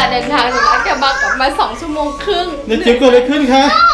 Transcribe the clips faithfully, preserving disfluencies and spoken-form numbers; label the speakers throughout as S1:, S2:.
S1: เดินทางจากลาดกระบังกลับมาสองชั่วโมงครึ่ง
S2: เด็กจิ๋วเกิดอะไรขึ้นคะ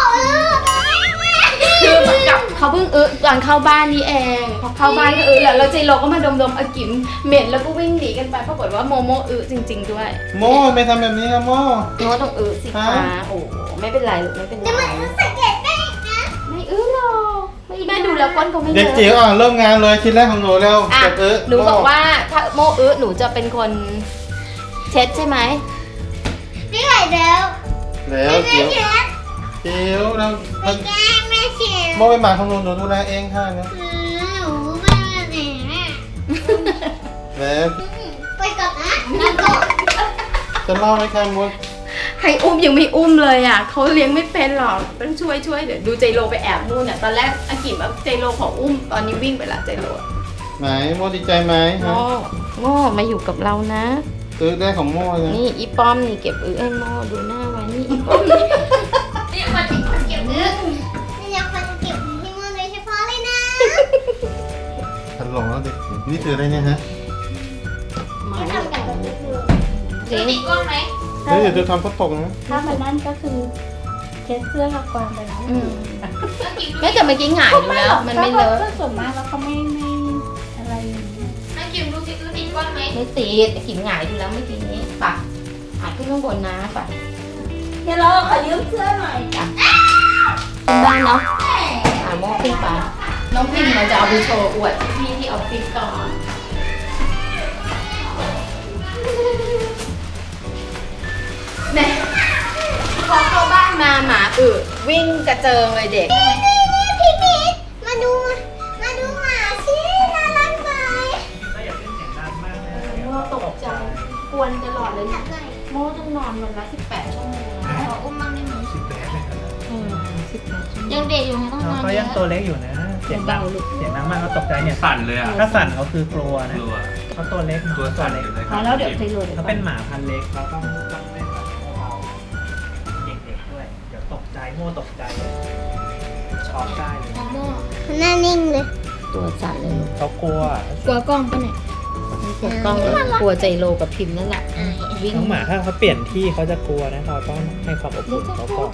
S1: คือเหมือนกับเขาเพิ่งอึตอนเข้าบ้านนี่เองพอเข้าบ้านก็อึแล้วแล้วเจโรก็มาดมๆอากิมเหม็นแล้วก็วิ่งหนีกันไปปรากฏว่าโมโมอึจริงๆด้วย
S2: โมไม่ทำแบบนี้นะโม
S1: โมต้องอึสิคะโอ้ไม่เป็นไรลูกไม่เป็นไร
S3: แต่มันสังเกตได้นะ
S1: ไม่อึหรอกไม่แม่ดูแล้วก้นเขาไม่เย
S2: เด็ก
S1: อะ
S2: จิ๋วอ่ะเริ่มงานเลยชิ้นแรกของหนูเร็ว
S1: อ่ะ
S2: เก็บเอ๊ะ
S1: หนูบอกว่าถ้าโมอึหนูจะเป็นคนเช็ดใช่ไหม
S3: ไม่ไหวแล้ว
S2: แล้ว
S3: ไม่
S2: จิ๋ว
S3: เช็ด
S2: จิ๋วเรา
S3: ไม่แกล้งไม่เช็ด
S2: โมเป็นหมาของหนูหนูดูแลเองค่ะนะ
S3: อืมหนูไม่ไหนน่ะ
S2: แล้ว
S3: ไปก่อนนะแล้วก็
S2: จะเล่าไหมคะมด
S1: ให้อุ้มยังไม่อุ้มเลยอ่ะเขาเลี้ยงไม่เป็นหรอกต้องช่วยช่วยเดี๋ยวดูเจโรไปแอบนู่นเนี่ยตอนแรกอากิมแบบเจโรขออุ้มตอนนี้วิ่งไปละเจโร
S2: ไหนโมดีใจไหม
S1: โม
S2: ฮะ
S1: โมมาอยู่กับเรานะ
S2: เอ๊ะได้ของโมเลย
S1: นี่อีป้อมนี่เก็บอื้อให้โมดูหน้าไว้นี่อีป้อมนี่นี่มาถึงคนเก็บอื้อ
S3: นี่อยากฟังเก็บที่มือโดยเฉพาะเลยนะ
S2: พันหลงแล้วเด็กจิ๋วนี่คืออะไรเนี่ยฮะ
S3: ไม่ทำกันแบบนี้เลย
S1: จริง
S3: ติดกล้องไหม
S2: เฮ้ยเดี๋ยวจะทำเขาตกนะ
S4: ถ้ามันนั่นก็คือเช็ดเสื้อกับกวางไปแล้ว
S1: อืมแม่แต่เมื่อกี้หงายดูแล้วมันไม่เลอะ
S4: ก็ส่วนมากแล้วเขาไม่ไม่อะไรอย่างเงี้ย
S3: แม่กิมดูสิดูติดกล้องไหม
S1: ไม่ติดอากิมหงายดูแล้วเมื่อกี้นี้ปะหายขึ้นข้างบนนะปะ
S4: เดี๋ยวเราขอยืมเสื้อหน่อย
S1: ขึ้นบ้านเนาะอ่าโมขึ้นไปน้องพิมมันจะเอาไปโชว์อวดพี่ที่ออฟฟิศก่อนแม่พอเข้าบ้านมาหมาอึวิ่งกระเจิงเลยเด็ก
S3: นี่นี่พี่พีทมาดูมาดูหมาสิน่ารักไหม
S1: โมตกใจกวนตลอดเลย
S3: จับหน่อย
S1: โมต้องนอนวันละสิบแปดชั่วโมง
S3: ขออุ้มบ้างได้ไหม
S5: สิบแปดเลยครับ
S1: อืมสิบแปดชั่วโมง
S3: ยังเด็กอยู่ไงต้องนอน
S5: เขา
S3: เย
S5: ยังตัว
S3: อะ
S5: เล็กอยู่นะ เสียงดัง
S1: เบาๆลูก
S5: เสียงดังมากเขาตกใจเนี่ย
S6: สั่นเลยอ่ะ
S5: ถ้าสั่นเขาคือกลัวนะ
S6: กลัว
S5: เขาตัวเล็กเนอะ
S6: ตัวสั่น
S5: เล็ก
S6: อยู่เลย
S4: พอแล้วเดี๋ยวเทโรเดี๋ยว
S5: เขา
S4: ก่อ
S5: เป็น นหมาพันธุ์เล็กเราต้องต้องเล่นแบบเบาๆเด็กๆด้วย เดี๋ยวตกใจโม่ตกใจช็อกได้เลย
S3: โมหน้านิ่งเลย
S1: ตัวสั่นเลยลูก
S5: เขากลัว
S3: กลัวกล้องปะเนี่ย
S1: กลัวกล้องกลัวใจโลกับพิมพ์นั่นแหละวิ่ง
S5: น้องหมาถ้าเขาเปลี่ยนที่เขาจะกลัวนะเราต้องให้ความอบอุ่นเขาก่อน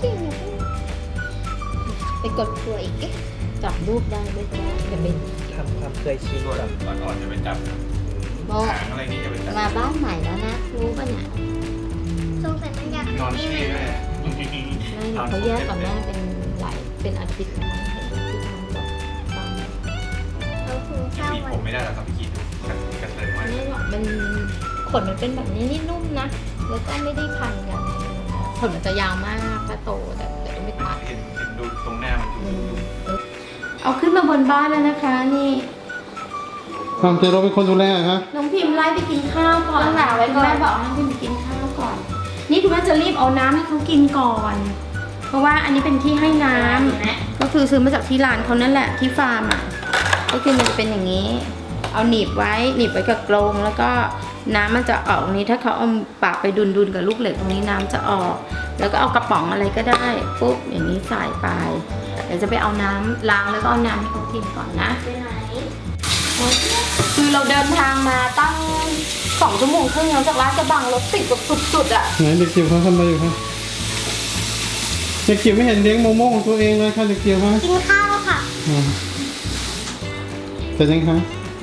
S3: ไปกดกลัวอีก
S1: จับรูปได้ไม่ได้อย่าไป
S5: ทำความเคยชิน
S6: ตัว
S5: กับ
S6: อ่อนๆจะไปจับ
S1: โม
S6: หางอะไรนี่จะไปจับ
S1: มาบ้านใหม่แล้วนะรู้ป่ะเนี่ย
S3: สงสัยมันอยาก
S6: นอน
S3: นี่
S6: เช่
S3: มัน
S6: ด้วย
S1: ไม่เขาแยกกับแม่เป็นหลายเป็นอาทิตย์แล้วมั้งเห็นที่มันบอกตาม
S3: เขาคุยข้าว
S6: มี
S3: วั
S6: ผม
S3: น
S6: ไม่ได้หรอกครับพี่คิดกันกันเลยมาก
S1: ไม่หรอกมันขนมันเป็นแบบนี้นี่นุ่มนะแล้วก็ไม่ได้พันกันขนมันจะยาวมากถ้าโตแต่แต่ก็ไม่ตัด
S6: เห็นเห็นดูตรงหน้ามันดูดู
S1: เอาขึ้นมาบนบ้านแล้วนะคะนี่
S2: ทำเจโรเป็นคนดูแลเหรอฮะ
S1: น้องพิมพ์ไล่ไปกินข้าวก่อนค่ะไว้คุณแม่บอกให้พิมพ์ไปกินข้าวก่อน นี่คุณแม่จะรีบเอาน้ำให้เขากินก่อน เพราะว่าอันนี้เป็นที่ให้น้ำก็คือซื้อมาจากที่ร้านเขานั่นแหละที่ฟาร์มอ่ะก็คือมันจะเป็นอย่างนี้ เอาหนีบไว้หนีบไว้กับกรงแล้วก็น้ำมันจะออกตรงนี้ถ้าเขาเอาปากไปดุนดุนๆกับลูกเหล็กตรงนี้น้ำจะออก แล้วก็เอากระป๋องอะไรก็ได้ปุ๊บอย่างนี้ใส่ไปเดี๋ยวจะไปเอาน้ำล้างแล้วก็เอาน้ำให้เขากินก่อนนะ
S3: ไปไหน
S1: คือเราเดินทางมาตั้งสองชั่วโมงครึ่งแล้วจากลาดกระบังรถติดแบบสุดๆอ่ะ
S2: ไหนเด็กจิ๋วเขาทำอะไรอยู่คะเด็กจิ๋วไม่เห็นเลี้ยงโมโม่ของตัวเองเลยค่ะเด็กจิ๋วฮะ
S3: กินข้าวค่ะ
S2: อ่าเสร็จยังคะ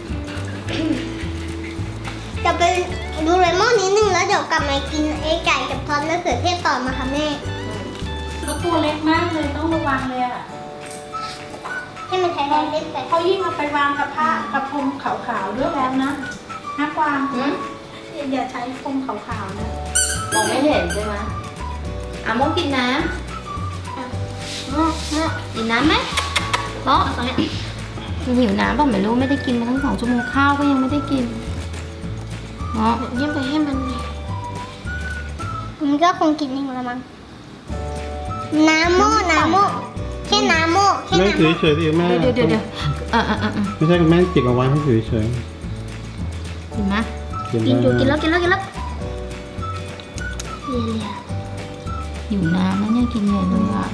S3: จะไปดูเรมอนนิดนึงแล้วเดี๋ยวกลับมากินไอ้ไก่กับทอดมะเขือเทศต่อมาค่ะแม่
S4: แล้วตัวเล็กมากเลยต้องระวังเลยอ่ะ
S3: ให้มันใช้แรงเล่นไป
S4: เขายิ่งเอาไปวางกับผ้ากระพรมขาวๆด้วยแล้วนะห้ากวาง
S1: หืม
S4: อย่าใช้พรมขาวๆนะ
S1: มองไม่เห็นใช่ไหมอ่ะโมกินน้ำกินน้ำไหมโมตรงนี้มันหิวน้ำป่ะไม่รู้ไม่ได้กินมาทั้งสองชั่วโมงข้าวก็ยังไม่ได้กินโม
S3: เยี่ยมไปให้มันมันก็คงกินเองละมั้งน้ำโม่น้ำโม่แค่น้ำโม่แค่
S2: แม่
S3: น้ำ
S2: ถือ
S3: โม่
S2: เฉยๆดิแม่
S1: เดี๋ยวเดี๋ยวเดี๋ยวเออเออเออเออ
S2: ไม่ใช่แม่จิกเอาไว้ให้ถือเฉย
S1: กินไหม
S2: ๆ
S3: กินอยู่กิน
S2: ได้
S3: แล้วกินแล้วกินแล้วเลียเลีย
S1: หิวน้ำแล้วเนี่ยกินใหญ่เลยอ่ะ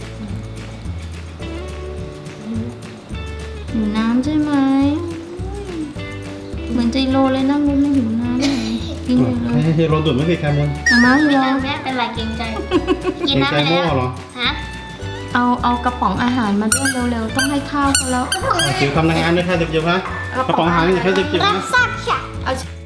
S1: หิวน้ำใช่ไหมเหมือนใจโลเลยนั่งรู้ไม่หิวน้ำเลยกินเลยเลย
S2: ให้ให้รถดูดไม่สิแคมุน
S1: มาม่า
S3: ไม่
S1: เฮีย
S3: เอาแม่เป็นไรเกรงใจ กิน
S2: ใน
S3: น้ำ
S2: ใจ
S3: ไป
S2: โม่
S3: แล้ว
S2: เหรอ
S3: ฮะ
S1: เอาเอากระป๋องอาหารมาด้วยเร็วๆต้องให้ข้าวเขาแล้ว
S2: จิ๋วทำงานด้วยค่ะเด็กจิ๋วคะกระป๋องอาหารนี่ค่ะเด็กจิ๋ว
S3: รั
S2: นะ
S3: กษาฉะ
S1: เอา